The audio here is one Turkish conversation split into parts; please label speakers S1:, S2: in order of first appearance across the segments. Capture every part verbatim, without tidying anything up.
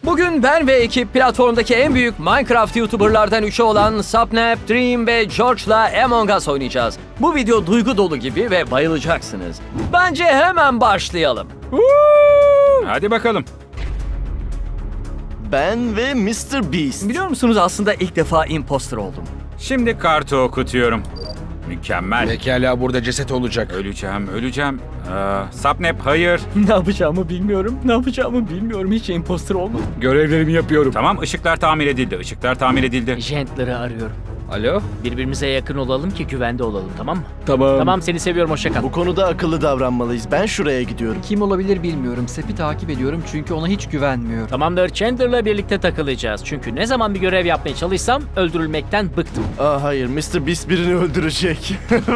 S1: Bugün ben ve ekip platformdaki en büyük Minecraft YouTuber'lardan üçü olan Sapnap, Dream ve George'la Among Us oynayacağız. Bu video duygu dolu gibi ve bayılacaksınız. Bence hemen başlayalım.
S2: Hadi bakalım.
S3: Ben ve mister Beast.
S1: Biliyor musunuz aslında ilk defa imposter oldum.
S2: Şimdi kartı okutuyorum. Mükemmel.
S4: Pekala burada ceset olacak.
S2: Öleceğim, öleceğim. Ee, Sapnap hayır.
S1: Ne yapacağımı bilmiyorum. Ne yapacağımı bilmiyorum. Hiç imposter olmadım.
S4: Görevlerimi yapıyorum.
S2: Tamam, ışıklar tamir edildi. Işıklar tamir edildi.
S5: Gentler'ı arıyorum.
S4: Alo?
S5: Birbirimize yakın olalım ki güvende olalım, tamam mı?
S4: Tamam.
S5: Tamam, seni seviyorum, hoşça kal.
S3: Bu konuda akıllı davranmalıyız. Ben şuraya gidiyorum.
S6: Kim olabilir bilmiyorum. Sep'i takip ediyorum çünkü ona hiç güvenmiyorum.
S5: Tamamdır, Chandler'la birlikte takılacağız. Çünkü ne zaman bir görev yapmaya çalışsam öldürülmekten bıktım.
S3: Aa hayır, mister Beast birini öldürecek.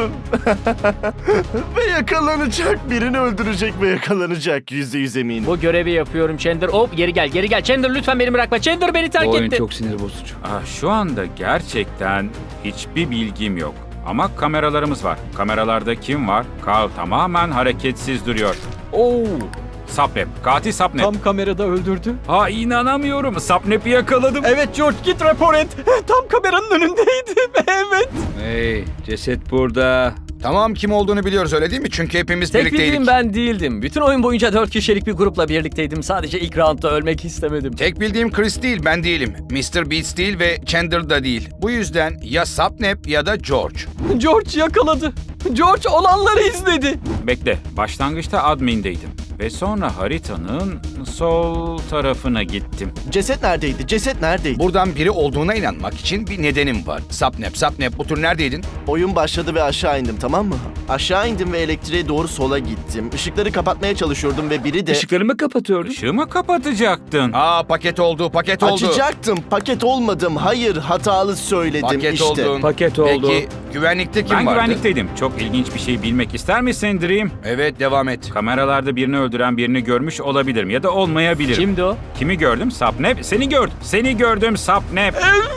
S3: Ve yakalanacak. Birini öldürecek ve yakalanacak. Yüzde yüz eminim.
S5: Bu görevi yapıyorum Chandler. Hop, geri gel, geri gel. Chandler lütfen beni bırakma. Chandler beni terk
S4: Bu oyun
S5: etti.
S4: çok sinir bozucu.
S2: Aa, şu anda gerçekten hiçbir bilgim yok. Ama kameralarımız var. Kameralarda kim var? Carl tamamen hareketsiz duruyor.
S1: Oo,
S2: Sapnap, katil Sapnap.
S1: tam kamerada öldürdü.
S2: Ha, inanamıyorum. Sapnap'ı yakaladım.
S1: Evet George, git rapor et. Tam kameranın önündeydim. Evet.
S4: Hey, ceset burada. Tamam kim olduğunu biliyoruz öyle değil mi? Çünkü hepimiz
S1: Tek
S4: birlikteydik.
S1: bildiğim ben değildim. Bütün oyun boyunca dört kişilik bir grupla birlikteydim. Sadece ilk roundda ölmek istemedim.
S4: Tek bildiğim Chris değil, ben değilim. mister Beast değil ve Chandler da değil. Bu yüzden ya Sapnap ya da George.
S1: George yakaladı. George olanları izledi.
S2: Bekle, başlangıçta admin'deydim. Ve sonra haritanın sol tarafına gittim.
S3: Ceset neredeydi? Ceset neredeydi?
S4: Buradan biri olduğuna inanmak için bir nedenim var. Sapnap, Sapnap bu tur neredeydin?
S3: Oyun başladı ve aşağı indim, tamam mı? Aşağı indim ve elektriğe doğru sola gittim. Işıkları kapatmaya çalışıyordum ve biri de...
S4: Işıklarımı kapatıyordum.
S2: Işığı mı kapatacaktın?
S4: Aa paket oldu, paket oldu.
S3: Açacaktım. Paket olmadım. Hayır, hatalı söyledim
S4: Paket
S3: işte.
S4: oldun.
S1: Paket oldu.
S4: Peki güvenlikte kim
S2: Ben
S4: vardı?
S2: güvenlikteydim. Çok ilginç bir şey bilmek ister misin Dream?
S4: Evet devam et.
S2: Kameralarda birini öldüren birini görmüş olabilirim ya da olmayabilirim.
S5: Kimdi o?
S2: Kimi gördüm? Sapnap. Seni gördüm. Seni gördüm Sapnap.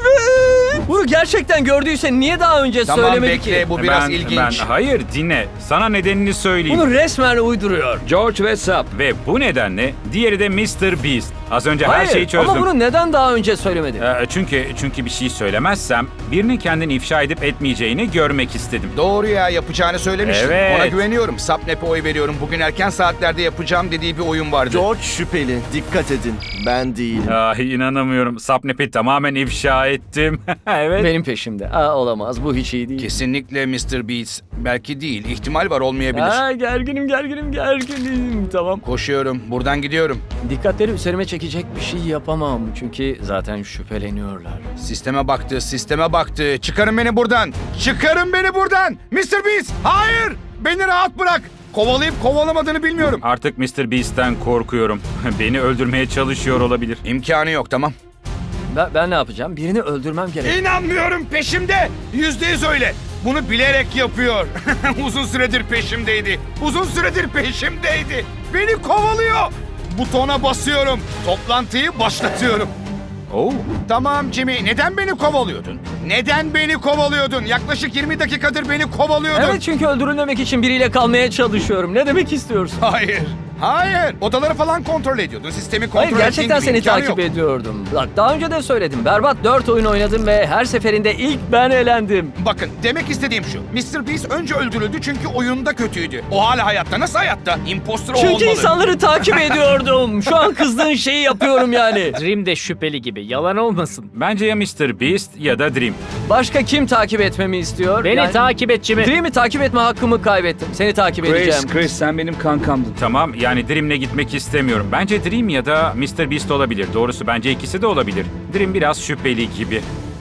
S1: Bunu gerçekten gördüyse niye daha önce
S4: Tamam
S1: söylemedi
S4: bekle
S1: ki?
S4: bu biraz
S2: ben,
S4: ilginç.
S2: Ben, hayır dinle. Sana nedenini söyleyeyim.
S1: Bunu resmen uyduruyor.
S4: George ve Sap.
S2: Ve bu nedenle diğeri de mister Beast. Az önce her
S1: Hayır,
S2: şeyi çözdüm.
S1: ama bunu neden daha önce söylemedi?
S2: Ee, çünkü çünkü bir şey söylemezsem birinin kendini ifşa edip etmeyeceğini görmek istedim.
S4: Doğru ya yapacağını söylemiştin.
S2: Evet.
S4: Ona güveniyorum. Sapnap'e oy veriyorum. Bugün erken saatlerde yapacağım dediği bir oyun vardı.
S3: George şüpheli. Dikkat edin. Ben değilim.
S2: Ah, inanamıyorum. Sapnap'i tamamen ifşa ettim. Evet.
S1: Benim peşimde. Aa, olamaz, bu hiç iyi değil.
S4: Kesinlikle mister Beats. Belki değil. İhtimal var olmayabilir.
S1: Aa, gerginim gerginim gerginim. Tamam.
S4: Koşuyorum. Buradan gidiyorum.
S1: Dikkatleri üzerime çekecek bir şey yapamam. Çünkü zaten şüpheleniyorlar.
S4: Sisteme baktı. Sisteme baktı. Çıkarın beni buradan. Çıkarın beni buradan. mister Beast. Hayır. Beni rahat bırak. Kovalayıp kovalamadığını bilmiyorum.
S2: Artık mister Beast'ten korkuyorum. Beni öldürmeye çalışıyor olabilir.
S4: İmkanı yok tamam.
S1: Ben, ben ne yapacağım? Birini öldürmem gerek.
S4: İnanmıyorum peşimde. Yüzde yüz öyle. Bunu bilerek yapıyor. Uzun süredir peşimdeydi. Uzun süredir peşimdeydi. Beni kovalıyor. Butona basıyorum. Toplantıyı başlatıyorum.
S2: Oo.
S4: Tamam Jimmy, neden beni kovalıyordun? Neden beni kovalıyordun? Yaklaşık yirmi dakikadır beni kovalıyordun.
S1: Evet, çünkü öldürülmemek için biriyle kalmaya çalışıyorum. Ne demek istiyorsun?
S4: Hayır. Hayır. Odaları falan kontrol ediyordun. Sistemi kontrol
S1: Hayır, gerçekten
S4: ettiğin gibi
S1: seni
S4: imkanı
S1: takip
S4: yok.
S1: ediyordum. Bak, daha önce de söyledim. Berbat dört oyun oynadım ve her seferinde ilk ben elendim.
S4: Bakın demek istediğim şu. mister Beast önce öldürüldü çünkü oyunda kötüydü. O hala hayatta. Nasıl hayatta? Imposter o
S1: Çünkü
S4: olmalı.
S1: insanları takip ediyordum. Şu an kızdığın şeyi yapıyorum yani.
S5: Dream de şüpheli gibi, yalan olmasın.
S2: Bence ya mister Beast ya da Dream.
S1: Başka kim takip etmemi istiyor?
S5: Beni
S1: Yani-
S5: takip et Jimmy.
S1: Dream'i takip etme hakkımı kaybettim. Seni takip edeceğim.
S4: Chris sen benim kankamdın.
S2: Tamam, yani Dream'le gitmek istemiyorum. Bence Dream ya da mister Beast olabilir. Doğrusu bence ikisi de olabilir. Dream biraz şüpheli gibi.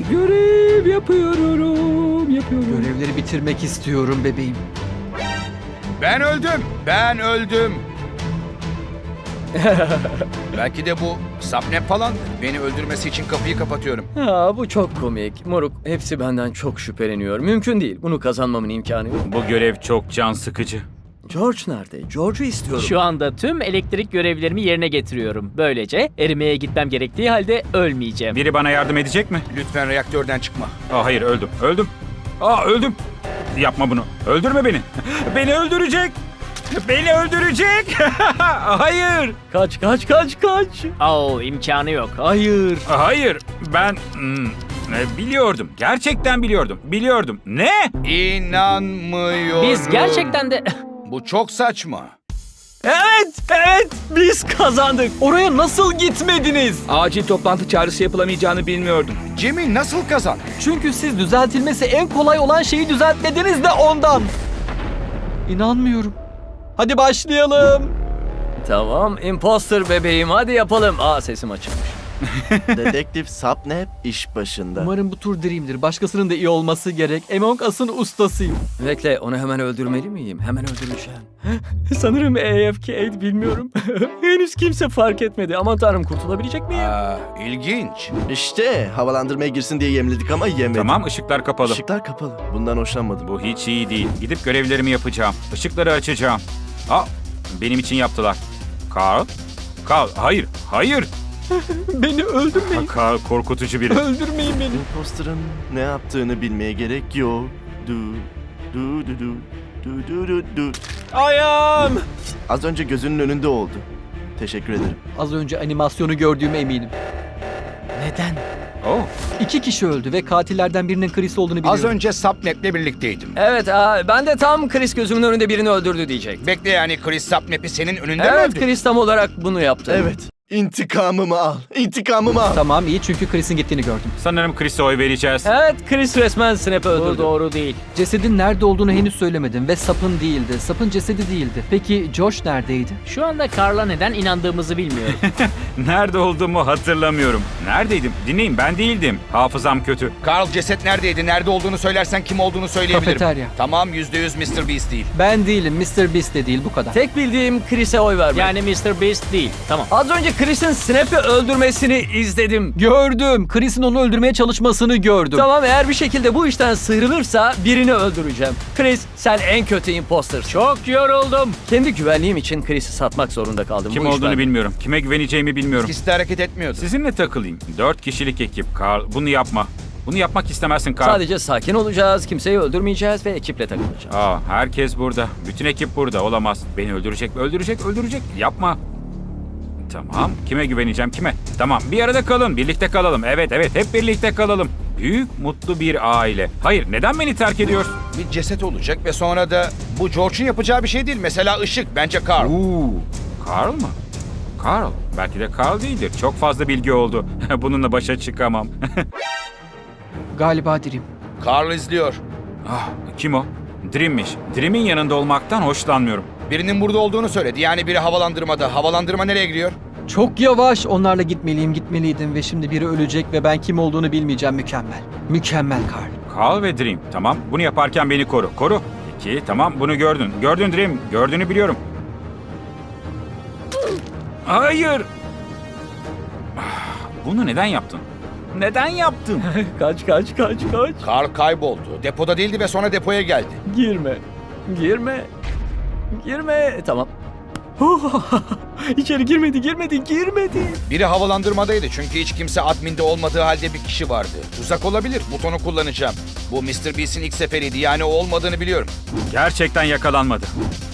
S6: Görev yapıyorum, yapıyorum. Görevleri bitirmek istiyorum bebeğim.
S4: Ben öldüm. Ben öldüm. Belki de bu Sapnap falan. Beni öldürmesi için kapıyı kapatıyorum.
S1: Ha, bu çok komik. Moruk, hepsi benden çok şüpheleniyor. Mümkün değil. Bunu kazanmamın imkanı yok.
S2: Bu görev çok can sıkıcı.
S1: George nerede? George'u istiyorum.
S5: Şu anda tüm elektrik görevlerimi yerine getiriyorum. Böylece erimeye gitmem gerektiği halde ölmeyeceğim.
S2: Biri bana yardım edecek mi?
S4: Lütfen reaktörden çıkma.
S2: Aa, hayır, öldüm. Öldüm. Aa, öldüm. Yapma bunu. Öldürme beni. Beni öldürecek. Beni öldürecek. Hayır.
S1: Kaç kaç kaç kaç.
S5: Oo, imkanı yok. Hayır.
S2: Hayır. Ben hmm, e, biliyordum. Gerçekten biliyordum. Biliyordum. Ne?
S4: İnanmıyorum.
S5: Biz gerçekten de...
S4: Bu çok saçma.
S1: Evet evet biz kazandık.
S6: Oraya nasıl gitmediniz?
S7: Acil toplantı çağrısı yapılamayacağını bilmiyordum.
S4: Jimmy nasıl kazandı?
S6: Çünkü siz düzeltilmesi en kolay olan şeyi düzeltmediniz de ondan. İnanmıyorum. Hadi başlayalım.
S1: Tamam imposter bebeğim hadi yapalım. Aa sesim açılmış.
S3: Dedektif Sapnap iş başında.
S6: Umarım bu tur Dream'dir. Başkasının da iyi olması gerek. Among Us'ın ustasıyım.
S1: Bekle onu hemen öldürmeli miyim? Hemen öldüreceğim. Sanırım A F K bilmiyorum. Henüz kimse fark etmedi. Aman tanrım kurtulabilecek miyim?
S4: Aa, ilginç.
S3: İşte havalandırmaya girsin diye yemledik ama yemedi.
S2: Tamam, ışıklar kapalı.
S3: Işıklar kapalı. Bundan hoşlanmadım.
S2: Bu hiç iyi değil. Gidip görevlerimi yapacağım. Işıkları açacağım. Aa, benim için yaptılar. Carl? Carl, hayır, hayır.
S6: Beni öldürmeyin.
S2: Carl korkutucu biri.
S6: Öldürmeyin beni.
S3: Imposter'ın ne yaptığını bilmeye gerek yok. Du du du du du du du du.
S1: Ayağım.
S3: Az önce gözünün önünde oldu. Teşekkür ederim.
S6: Az önce animasyonu gördüğüme eminim. Neden?
S2: Oh,
S6: İki kişi öldü ve katillerden birinin Chris olduğunu biliyorum.
S4: Az önce Sapnap'le birlikteydim.
S1: Evet aa, ben de tam Chris gözümün önünde birini öldürdü diyecek.
S4: Bekle yani Chris Sapnap'i senin önünde mi
S1: Evet
S4: öldü?
S1: Chris tam olarak bunu yaptı.
S3: Evet. İntikamımı al. İntikamımı al.
S6: Tamam iyi çünkü Chris'in gittiğini gördüm.
S2: sanırım Chris'e oy vereceğiz.
S1: Evet Chris resmen Snap'ı
S5: Bu
S1: öldürdü.
S5: doğru değil.
S6: Cesedin nerede olduğunu henüz söylemedim ve sapın değildi. Sapın cesedi değildi. Peki Josh neredeydi?
S5: Şu anda Carl'a neden inandığımızı bilmiyorum.
S2: Nerede olduğumu hatırlamıyorum. Neredeydim? Dinleyin, ben değildim. Hafızam kötü.
S4: Carl ceset neredeydi? Nerede olduğunu söylersen kim olduğunu söyleyebilirim.
S6: Kafeterya.
S4: Tamam yüzde yüz mister Beast değil.
S6: Ben değilim. mister Beast de değil bu kadar.
S1: Tek bildiğim Chris'e oy vermek.
S5: Yani mister Beast değil. Tamam.
S1: Az önce Chris'in Snap'ı öldürmesini izledim.
S6: Gördüm. Chris'in onu öldürmeye çalışmasını gördüm.
S1: Tamam eğer bir şekilde bu işten sıyrılırsa birini öldüreceğim. Chris sen en kötü imposter'sın.
S5: Çok yoruldum.
S1: Kendi güvenliğim için Chris'i satmak zorunda kaldım.
S2: Kim
S1: Bu iş
S2: olduğunu
S1: bende.
S2: bilmiyorum. Kime güveneceğimi bilmiyorum.
S4: İkisi de hareket etmiyordu.
S2: Sizinle takılayım. Dört kişilik ekip. Carl, bunu yapma. Bunu yapmak istemezsin Carl.
S1: Sadece sakin olacağız, kimseyi öldürmeyeceğiz ve ekiple takılacağız.
S2: Aa, herkes burada. Bütün ekip burada. Olamaz. Beni öldürecek, öldürecek, öldürecek. Yapma. Tamam. Kime güveneceğim? Kime? Tamam. Bir arada kalın. Birlikte kalalım. Evet, evet. Hep birlikte kalalım. Büyük, mutlu bir aile. Hayır, neden beni terk ediyorsun?
S4: Bir ceset olacak ve sonra da bu George'un yapacağı bir şey değil. Mesela ışık. Bence Carl.
S2: Oo, Carl mı? Carl. Belki de Carl değildir. Çok fazla bilgi oldu. Bununla başa çıkamam.
S6: Galiba Dream.
S4: Carl izliyor.
S2: Ah, kim o? Dream'miş. Dream'in yanında olmaktan hoşlanmıyorum.
S4: Birinin burada olduğunu söyledi. Yani biri havalandırmada. Havalandırma nereye gidiyor?
S6: Çok yavaş. Onlarla gitmeliyim, gitmeliydim ve şimdi biri ölecek ve ben kim olduğunu bilmeyeceğim. Mükemmel. Mükemmel Carl.
S2: Carl ve Dream. Tamam. Bunu yaparken beni koru. Koru. İki. Tamam. Bunu gördün. Gördün Dream. Gördüğünü biliyorum. Hayır. Ah, bunu neden yaptın? Neden yaptın?
S1: Kaç kaç kaç kaç.
S4: Carl kayboldu. Depoda değildi ve sonra depoya geldi.
S1: Girme. Girme. Girme. Tamam. İçeri girmedi, girmedi, girmedi.
S4: Biri havalandırmadaydı çünkü hiç kimse adminde olmadığı halde bir kişi vardı. Tuzak olabilir. Butonu kullanacağım. Bu mister Beast'in ilk seferiydi. Yani o olmadığını biliyorum.
S2: Gerçekten yakalanmadı.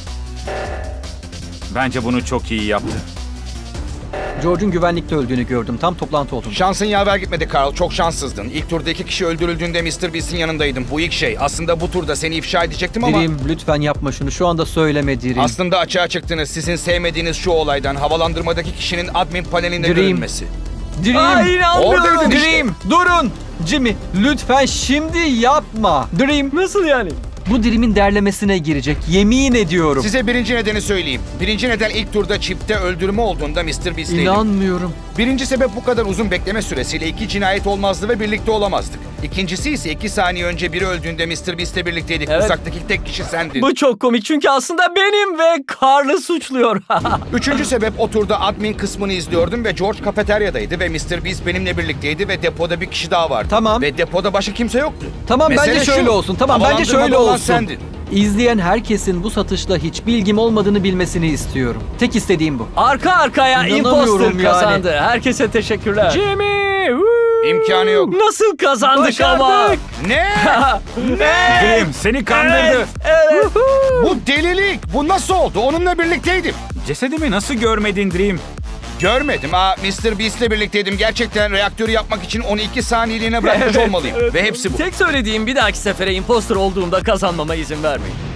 S2: Bence bunu çok iyi yaptı.
S6: George'un güvenlikte öldüğünü gördüm. Tam toplantı olduğunda.
S4: Şansın yaver gitmedi Carl. Çok şanssızdın. İlk turda iki kişi öldürüldüğünde mister Beast'in yanındaydım. Bu ilk şey. Aslında bu turda seni ifşa edecektim ama...
S6: Dream lütfen yapma şunu. Şu anda söyleme Dream.
S4: Aslında açığa çıktınız. Sizin sevmediğiniz şu olaydan havalandırmadaki kişinin admin panelinde
S6: Dream.
S4: görünmesi.
S6: Dream.
S1: Ay inanmıyorum.
S4: Oradaydım işte.
S6: Dream. Durun. Jimmy lütfen şimdi yapma. Dream.
S1: Nasıl yani?
S6: Bu Dream'in derlemesine girecek. Yemin ediyorum.
S4: Size birinci nedeni söyleyeyim. Birinci neden ilk turda çipte öldürme olduğunda mister Beast'teydim.
S6: İnanmıyorum.
S4: Birinci sebep bu kadar uzun bekleme süresiyle iki cinayet olmazdı ve birlikte olamazdık. İkincisi ise iki saniye önce biri öldüğünde mister Beast'le birlikteydik.
S1: Evet.
S4: Uzaktaki tek kişi sendin.
S1: Bu çok komik çünkü aslında benim ve Carl'ı suçluyor.
S4: Üçüncü sebep o turda admin kısmını izliyordum ve George kafeteryadaydı ve mister Beast benimle birlikteydi ve depoda bir kişi daha vardı.
S6: Tamam.
S4: Ve depoda başka kimse yoktu.
S6: Tamam
S4: Mesele
S6: bence
S4: şu,
S6: şöyle olsun. Tamam bence şöyle
S4: havalandırmada olan
S6: olsun.
S4: sendin.
S6: İzleyen herkesin bu satışla hiç bilgim olmadığını bilmesini istiyorum. Tek istediğim bu.
S1: Arka arkaya
S6: İnanamıyorum
S1: imposter
S6: yani.
S1: kazandı. Herkese teşekkürler.
S5: Jimmy! Woo!
S4: İmkanı yok.
S1: Nasıl kazandık ama?
S5: Başardık.
S4: Ne?
S2: Dream seni kandırdı.
S4: Bu delilik. Bu nasıl oldu? Onunla birlikteydim.
S2: Cesedimi nasıl görmedin Dream?
S4: Görmedim. Aa, mister Beast'le birlikteydim. Gerçekten reaktörü yapmak için onu iki saniyeliğine bırakmış olmalıyım. Ve hepsi bu.
S1: Tek söylediğim bir dahaki sefere imposter olduğumda kazanmama izin vermeyin.